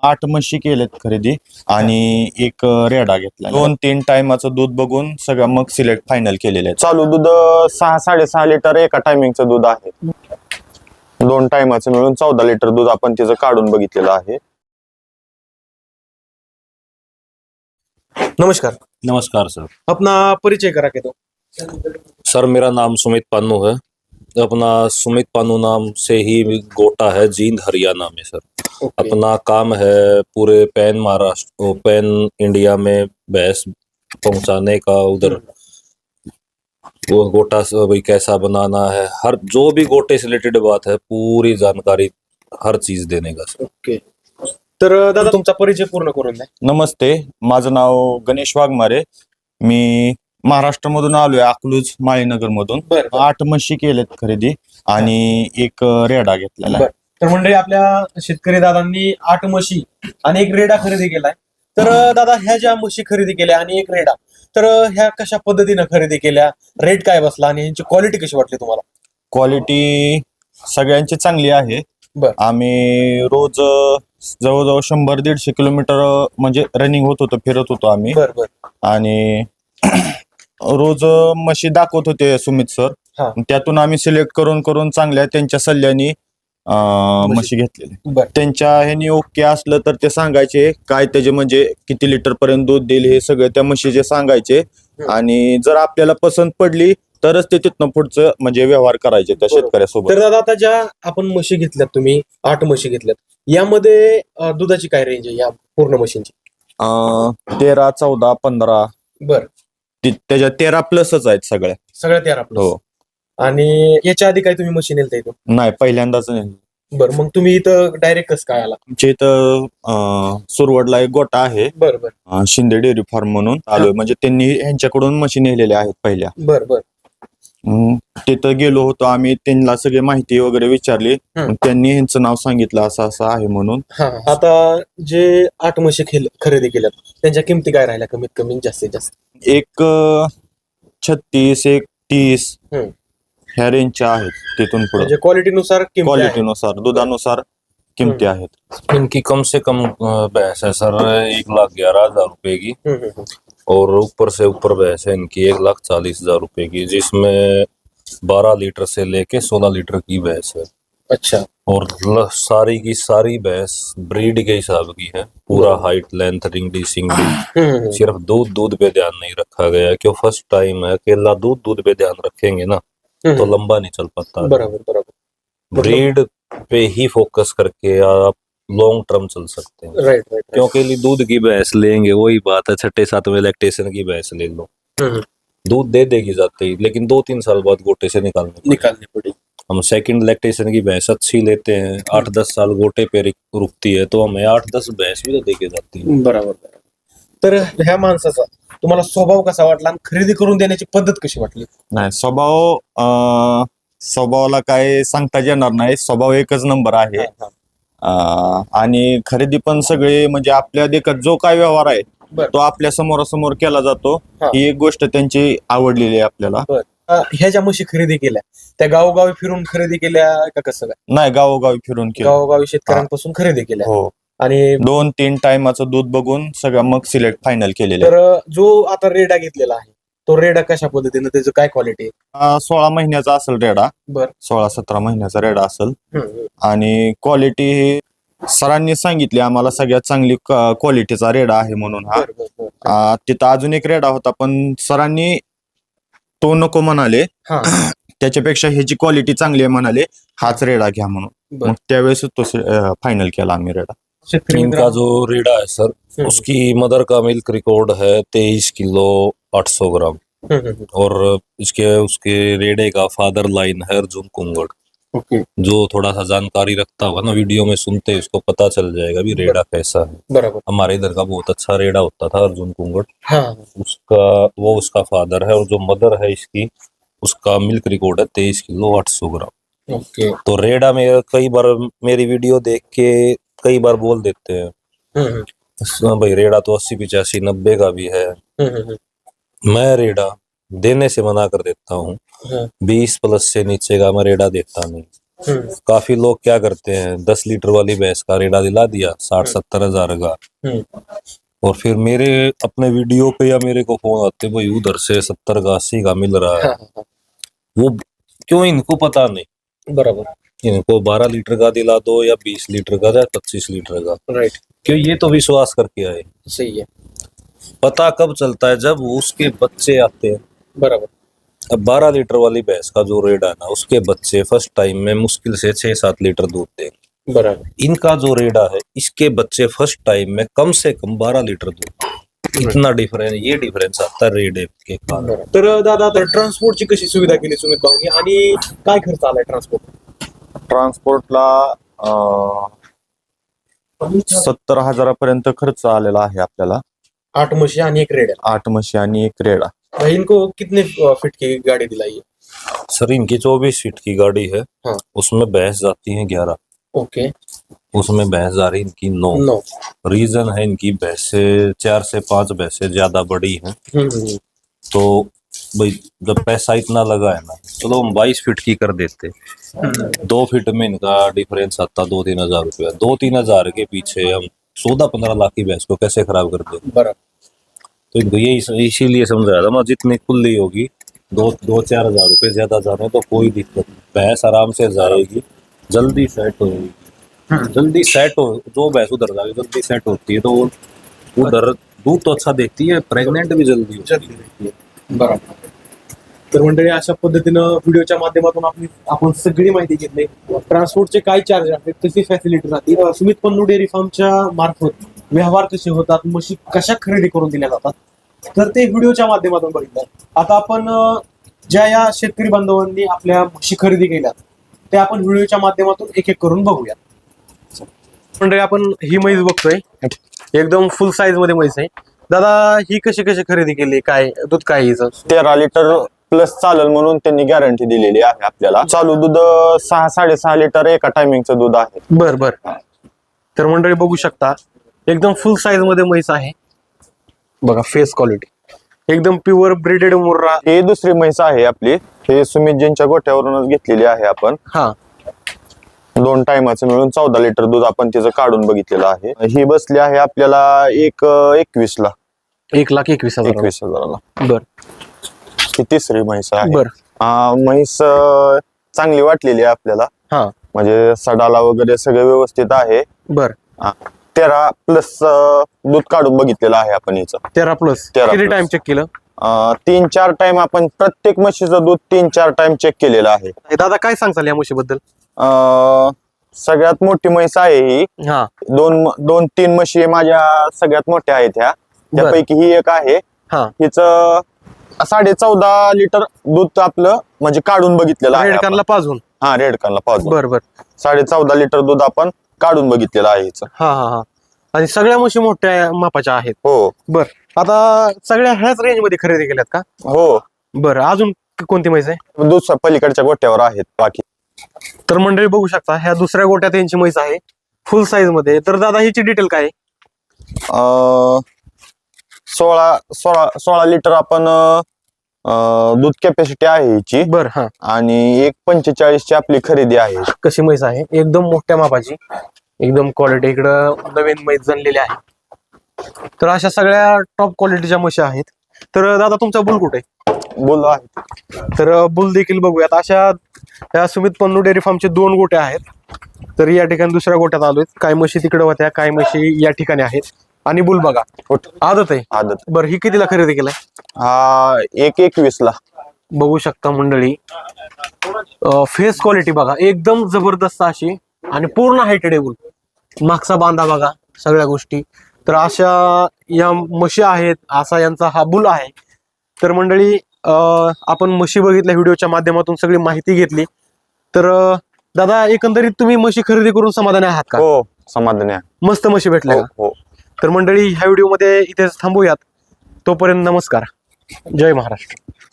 8 म्हशी केलेत खरेदी आणि एक रेडा घेतला. 2-3 टायमाचं दूध बघून सगळं मग सिलेक्ट फायनल केलेलं आहे. चालू दूध 6-6.5 लिटर एका टायमिंगचं दूध आहे. 2 टायमाचं मिळून 14 लिटर दूध आपण त्याचं काढून बघितलेलं आहे. नमस्कार। नमस्कार सर। अपना परिचय करा के दो। सर मेरा नाम सुमित पानू है। अपना सुमित पानू नाम से ही गोटा है, जींद हरियाणा में सर। अपना काम है पूरे पैन महाराष्ट्र पैन इंडिया में भैंस पहुंचाने का, उधर वो गोटा भाई कैसा बनाना है, हर जो भी गोटे से रिलेटेड बात है पूरी जानकारी हर चीज देने का सर। ओके। तर दादा तुमचा परिचय पूर्ण करून द्या। नमस्ते, माझं नाव गणेश वाघमारे। मी महाराष्ट्रामधून आलोय, अकलूज माळीनगर मधून। 8 म्हशी केलेत खरेदी आणि एक रेडा घेतलेला आहे। तर मंडळी, आपल्या शेतकरी दादांनी 8 म्हशी आणि एक रेडा खरेदी केलाय। तर दादा, ह्या ज्या म्हशी खरेदी केल्या आणि एक रेडा, तर ह्या कशा पद्धतीने खरेदी केल्या, रेट काय बसला आणि ह्यांची क्वालिटी कशी वाटली तुम्हाला? क्वालिटी सगळ्यांची चांगली आहे। आम्ही रोज जवळजवळ 100-150 किलोमीटर म्हणजे रनिंग होत होतो, फिरत होतो आम्ही। आणि रोज म्हशी दाखवत होते सुमित सर, त्यातून आम्ही सिलेक्ट करून चांगल्या त्यांच्या सल्ल्याने म्हशी घेतलेली। त्यांच्या ह्यानी ओके असलं तर ते सांगायचे काय त्याचे म्हणजे किती लिटर पर्यंत दूध देईल हे सगळं त्या म्हशीचे सांगायचे, आणि जर आपल्याला पसंत पडली तरच ते तिथनं पुढचं म्हणजे व्यवहार करायचे त्या शेतकऱ्यासोबत। तर दादा, आता ज्या आपण म्हशी घेतल्यात, तुम्ही 8 म्हशी घेतल्यात, यामध्ये दुधाची काय रेंज आहे या पूर्ण म्हशींची? 13, 14, 15। बर, त्याच्या 13 प्लसच आहेत सगळ्या 13 प्लस। हो। आणि याच्या आधी काय तुम्ही म्हशी नेलता इथं? नाही, पहिल्यांदाच नाही। बरं, मग तुम्ही इथं डायरेक्ट कसं काय आला? आमच्या इथं सुरवडला एक गोटा आहे, शिंदे डेअरी फार्म म्हणून आलोय। म्हणजे त्यांनी ह्यांच्याकडून म्हशी नेलेल्या आहेत पहिल्या। तिथं गेलो होतो आम्ही, त्यांना सगळी माहिती वगैरे विचारली, त्यांनी ह्यांचं नाव सांगितलं असं असं आहे म्हणून। आता जे 8 म्हशी खरेदी केल्यात, त्यांच्या किमती काय राहिल्या कमीत कमी जास्तीत जास्त? एक 36, एक 30 ह्या रेंजच्या आहेत। तिथून पुढे म्हणजे क्वालिटीनुसार दुधानुसार किमती आहेत। इनकी कम से कम भैंस है सर 1,11,000 रुपए की, और ऊपर से ऊपर भैंस है इनकी 1,40,000 रुपए की, जिसमें 12 लीटर से लेके 16 लीटर की भैंस है। अच्छा। और सारी की सारी भैंस ब्रीड के हिसाब की है, पूरा हाइट, लेंथ, रिंगडी, सिंगडी। सिर्फ दूध पे ध्यान नहीं रखा गया, क्यों फर्स्ट टाइम है। अकेला दूध पे ध्यान रखेंगे ना तो लंबा नहीं चल पाता। बराबर। ब्रीड पे ही फोकस करके आप लॉन्ग टर्म चल सकते हैं। राइट। क्योंकि दूध की भैंस लेंगे, वही बात है, 6-7वें लैक्टेशन की भैंस ले लो, दूध दे देगी जाते ही, लेकिन 2-3 साल बाद गोटे से निकालनी पड़ेगी। हम सेकंड लैक्टेशन की भैंस अच्छी लेते हैं, 8-10 साल गोटे पे रुकती है, तो हमें 8-10 भैंस भी तो देके जाती है। बराबर। तर ह्या माणसाचा तुम्हाला स्वभाव कसा वाटला आणि खरेदी करून देण्याची पद्धत कशी वाटली? नाही, स्वभावाला काय सांगता येणार नाही, स्वभाव एकच नंबर आहे। आणि खरेदी पण सगळे म्हणजे आपल्या देखत जो काय व्यवहार आहे तो आपल्या समोरासमोर केला जातो, ही एक गोष्ट त्यांची आवडलेली आहे आपल्याला। ह्या ज्या म्हशी खरेदी केल्या, त्या गावोगावी फिरून खरेदी केल्या का कसं काय? नाही, गावोगावी फिरून केलं, गावोगावी शेतकऱ्यांपासून खरेदी केल्या। हो। आणि 2-3 टायमाचं दूध बघून सगळं मग सिलेक्ट फायनल केलेलं आहे। तर जो आता रेडा घेतलेला आहे, तो रेडा कशा पद्धतीने, त्याचं काय क्वालिटी? 16 महिन्याचा असेल रेडा, 16-17 महिन्याचा रेडा असेल। आणि क्वालिटी ही सरांनी सांगितली आम्हाला सगळ्यात चांगली क्वालिटीचा रेडा आहे म्हणून हा। तिथं अजून एक रेडा होता, पण सरांनी तो नको म्हणाले, त्याच्यापेक्षा ह्याची क्वालिटी चांगली आहे म्हणाले, हाच रेडा घ्या म्हणून। मग त्यावेळेस तो फायनल केला आम्ही रेडा। इनका जो रेडा है सर, उसकी मदर का मिल्क रिकॉर्ड है 23 किलो 800 ग्राम, और उसके रेडे का फादर लाइन है अर्जुन कुंगड़। जो थोड़ा सा जानकारी रखता होगा ना, वीडियो में सुनते उसको पता चल जाएगा भी रेडा कैसा है। हमारे इधर का बहुत अच्छा रेडा होता था अर्जुन कुंगड़, उसका फादर है, और जो मदर है इसकी, उसका मिल्क रिकॉर्ड है 23 किलो 800 ग्राम। तो रेडा में कई बार मेरी वीडियो देख के कई बार बोल देते हैं भाई रेडा तो 80-85-90 का भी है। मैं रेडा देने से मना कर देता हूँ, 20 प्लस से नीचे का मैं रेडा देता नहीं। काफी लोग क्या करते हैं, 10 लीटर वाली भैंस का रेडा दिला दिया 60-70 हजार का, और फिर मेरे अपने वीडियो पे या मेरे को फोन आते, भाई उधर से 70 का 80 का मिल रहा है। वो क्यों, इनको पता नहीं। बराबर। इनको 12 लीटर का दिला दो या 20 लीटर का या 25 लीटर का, राइट। क्यों, ये तो विश्वास करके आए। सही है। पता कब चलता है, जब उसके बच्चे आते हैं। बराबर। अब 12 लीटर वाली भैंस का जो रेडा है ना, उसके बच्चे फर्स्ट टाइम में मुश्किल से 6-7 लीटर दूध देंगे। बराबर। इनका जो रेडा है, इसके बच्चे फर्स्ट टाइम में कम से कम 12 लीटर दूध। इतना डिफरेंस, ये डिफरेंस आता है रेडे के कारण। तर दादा, तर ट्रान्सपोर्टची कशी सुविधा केली सुमित भाऊनी आणि काय खर्च आलाय ट्रान्सपोर्ट? ट्रान्सपोर्टला 70,000पर्यंत खर्च आलेला आहे आपल्याला। 8 म्हशी आणि एक रेड 8 म्हशी आणि एक रेडा। है। इनको कितने फीट की गाड़ी दिलाई है? सर इनकी 24 फीट की गाड़ी है। हाँ। उसमें भैंस जाती है 11। ओके। उसमें भैंस जा रही इनकी 9। रीजन है, इनकी भैंसे 4 से 5 भैंसे ज्यादा बड़ी हैं। तो भाई जब पैसा इतना लगा है ना, चलो हम 22 फीट की कर देते। 2 फीट में इनका डिफरेंस आता 2-3 हजार रुपया। 2-3 हजार के पीछे हम 14-15 लाख की भैंस को कैसे खराब कर दे। बराबर। तो इनको ये इसीलिए समझाया था मैं, जितनी कुल्ली होगी 2-4 हजार रुपये ज्यादा जाने तो कोई दिक्कत नहीं, भैंस आराम से जाएगी, जल्दी सेट होगी। जल्दी सेट हो, जो भैंस उधर जाएगी जल्दी सेट होती है, तो उधर दूध तो अच्छा देती है, प्रेग्नेंट भी जल्दी होती है। बरोबर। तर मंडळी, अशा पद्धतीनं व्हिडिओच्या माध्यमातून आपण सगळी माहिती घेतली। ट्रान्सपोर्टचे काय चार्ज आहेत, कशी फॅसिलिटी राहते, सुमित पन्नू डेअरी फार्मच्या मार्फत व्यवहार कसे होतात, म्हशी कशा खरेदी करून दिल्या जातात, तर ते व्हिडिओच्या माध्यमातून बघितलं। आता आपण ज्या या शेतकरी बांधवांनी आपल्या म्हशी खरेदी केल्या ते आपण व्हिडिओच्या माध्यमातून एक एक करून बघूया। मंडळी, आपण ही म्हैस बघतोय, एकदम फुल साईज मध्ये म्हैस आहे। दादा, ही कशी खरेदी केली, काय दूध काय हिचं? 13 लिटर प्लस चालेल म्हणून त्यांनी गॅरंटी दिलेली आहे आपल्याला। चालू दूध 6-6.5 लिटर एका टायमिंगचं दूध आहे। बर बर। तर मंडळी बघू शकता, एकदम फुल साईज मध्ये म्हैस आहे बघा। फेस क्वालिटी एकदम प्युअर ब्रीडेड मुर्रा। ही दुसरी म्हैस आहे आपली, हे सुमितजींच्या गोठ्यावरूनच घेतलेली आहे आपण। हा। 2 टायमाचं मिळून 14 लिटर दूध आपण तिचं काढून बघितलेलं आहे। ही बसली आहे आपल्याला 1,21 ला। 1,21,000 बर। ही तिसरी म्हैस आहे। बर। म्हैस चांगली वाटलेली आहे आपल्याला। हा, म्हणजे सडाला वगैरे सगळं व्यवस्थित आहे। बर। 13 प्लस दूध काढून बघितलेलं आहे आपण हिचं। 13 प्लस 13 किती plus. टाइम चेक केलं? 3-4 टाइम आपण प्रत्येक म्हशीचं दूध 3-4 टाइम चेक केलेलं आहे। दादा, काय सांगताल या म्हशीबद्दल? सगळ्यात मोठी म्हैस आहे ही। हा। 2-3 म्हशी माझ्या सगळ्यात मोठ्या आहेत ह्या, त्यापैकी ही एक आहे। हा। हिचं 14.5 लिटर दूध आपलं म्हणजे काढून बघितलेलं आहे रेड आपण। कारला पाजून? हा, रेड कारला पाजून। बर बर। 14.5 लिटर दूध आपण काढून बघितलेलं आहे हिचं। हा हा हा। आणि सगळ्या म्हशी मोठ्या मापाच्या आहेत? हो। बर। आता सगळ्या ह्याच रेंज मध्ये खरेदी केल्यात का? हो। बर। अजून कोणती म्हैस आहे? दुसऱ्या पलीकडच्या गोट्यावर आहेत बाकी। तर मंडळी बघू शकता, ह्या दुसऱ्या गोट्यात यांची म्हैस आहे फुल साईज मध्ये। तर दादा, हिची डिटेल काय आहे? 16 लिटर आपण दूध कॅपॅसिटी आहे हिची। बर। हा। आणि 1.45 ची आपली खरेदी आहे। कशी म्हैस आहे, एकदम मोठ्या मापाची, एकदम क्वालिटी। इकडं नवीन म्हैस जनलेली आहे। तर अशा सगळ्या टॉप क्वालिटीच्या म्हशी आहेत। तर दादा, तुमचा बुल कुठे आहे? बोल आहे। तर बुल देखील बघूयात। अशा या सुमित पन्नू डेअरी फार्मचे 2 गोटे आहेत। तर या ठिकाणी दुसऱ्या गोट्यात आलोय। काय म्हशी तिकडे होत्या, काय म्हशी या ठिकाणी आहेत। आणि बुल बघा, आदत आहे। आदत। बरं, ही कितीला खरेदी केलाय? हा, 1,21 ला। बघू शकता मंडळी, फेस क्वालिटी बघा, एकदम जबरदस्त अशी, आणि पूर्ण हायटेड बुल। मागचा बांधा बघा, सगळ्या गोष्टी। तर अशा या म्हशी आहेत, असा यांचा हा बुल आहे। तर मंडळी, आपण म्हशी बघितल्या व्हिडिओच्या माध्यमातून, सगळी माहिती घेतली। तर दादा, एकंदरीत तुम्ही म्हशी खरेदी करून समाधानी आहात का? हो, समाधानी आहे। मस्त म्हशी भेटल्या का? हो। तर मंडळी, ह्या व्हिडिओमध्ये इथेच थांबूयात। तोपर्यंत नमस्कार, जय महाराष्ट्र।